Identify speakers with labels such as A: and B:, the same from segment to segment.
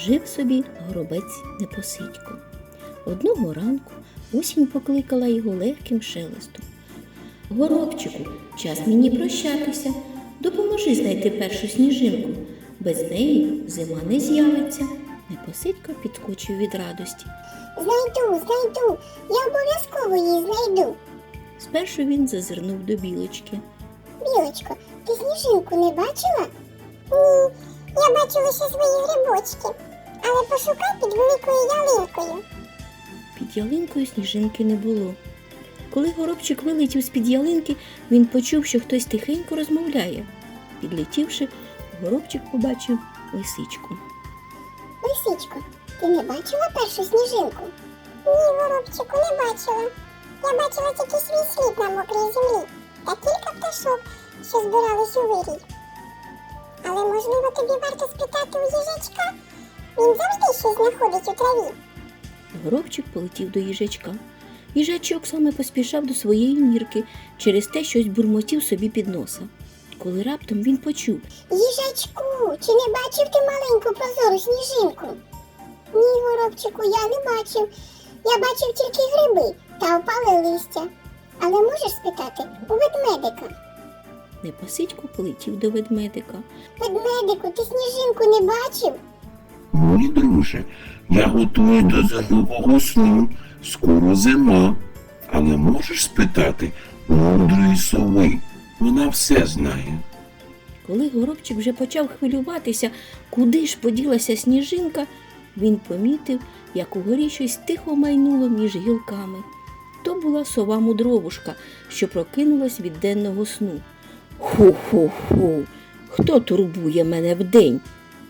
A: Жив собі горобець Непосидько. Одного ранку осінь покликала його легким шелестом. «Горобчику, час мені прощатися. Допоможи знайти першу сніжинку. Без неї зима не з'явиться». Непосидько підскочив від радості.
B: Знайду, я обов'язково її знайду.
A: Спершу він зазирнув до білочки.
B: Білочко, ти сніжинку не бачила? Ні, я бачила ще свої грибочки, але пошукай під великою ялинкою.
A: Під ялинкою сніжинки не було. Коли горобчик вилетів з-під ялинки, він почув, що хтось тихенько розмовляє. Підлетівши, горобчик побачив лисичку.
B: Лисичко, ти не бачила першу сніжинку? Ні, горобчику, не бачила. Я бачила тільки свій слід на мокрій землі та кілька пташок, що збирались у вирій. Але, можливо, тобі варто спитати у їжачка? Він завжди щось знаходить у траві.
A: Горобчик полетів до їжачка. Їжачок саме поспішав до своєї нірки, через те щось бурмотів собі під носа. Коли раптом він почув:
B: Їжачку, чи не бачив ти маленьку прозору сніжинку? Ні, горобчику, я не бачив. Я бачив тільки гриби та опале листя. Але можеш спитати у ведмедика?
A: Непосидько полетів до ведмедика.
B: Ведмедику, ти сніжинку не бачив?
C: Мій друже, я готую до зимового сну. Скоро зима. Але можеш спитати у мудрої сови. Вона все знає.
A: Коли горобчик вже почав хвилюватися, куди ж поділася сніжинка, він помітив, як угорі щось тихо майнуло між гілками. То була сова-мудровушка, що прокинулась від денного сну. «Ху-ху-ху! Хто турбує мене вдень?»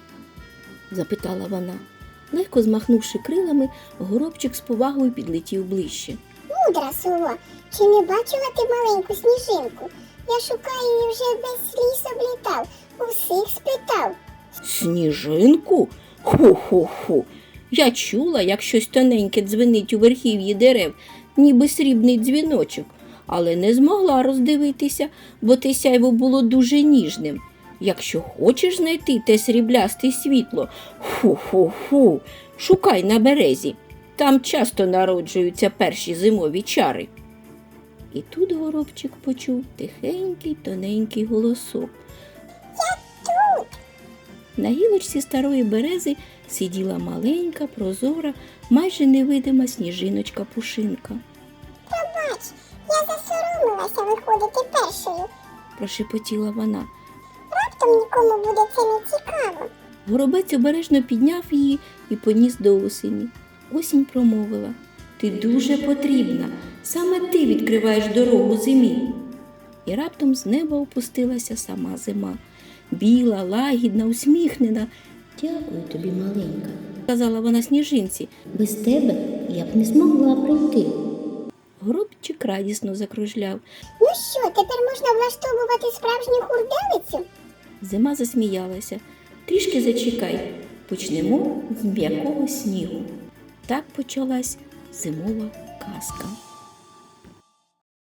A: – запитала вона. Легко змахнувши крилами, горобчик з повагою підлетів ближче.
B: Мудра сова, чи не бачила ти маленьку сніжинку? Я шукаю її вже весь ліс облітав, усіх спитав.
A: «Сніжинку? Ху-ху-ху! Я чула, як щось тоненьке дзвенить у верхів'ї дерев, ніби срібний дзвіночок, але не змогла роздивитися, бо те сяйво було дуже ніжним. Якщо хочеш знайти те сріблясте світло, фу-фу-фу, шукай на березі. Там часто народжуються перші зимові чари». І тут горобчик почув тихенький, тоненький голосок.
B: Я тут.
A: На гілочці старої берези сиділа маленька, прозора, майже невидима сніжиночка-пушинка.
B: Пробач, я засоромилася виходити першою.
A: Прошепотіла вона.
B: Раптом нікому буде це не цікаво.
A: Горобець обережно підняв її і поніс до осені. Осінь промовила: «Ти дуже потрібна, саме ти відкриваєш дорогу зимі». І раптом з неба опустилася сама зима. Біла, лагідна, усміхнена. «Дякую тобі, маленька», – сказала вона сніжинці. «Без тебе я б не змогла прийти». Горобчик радісно закружляв.
B: Ну що, тепер можна влаштовувати справжню хурделицю?
A: Зима засміялася. «Трішки зачекай, почнемо з м'якого снігу». Так почалась зимова казка.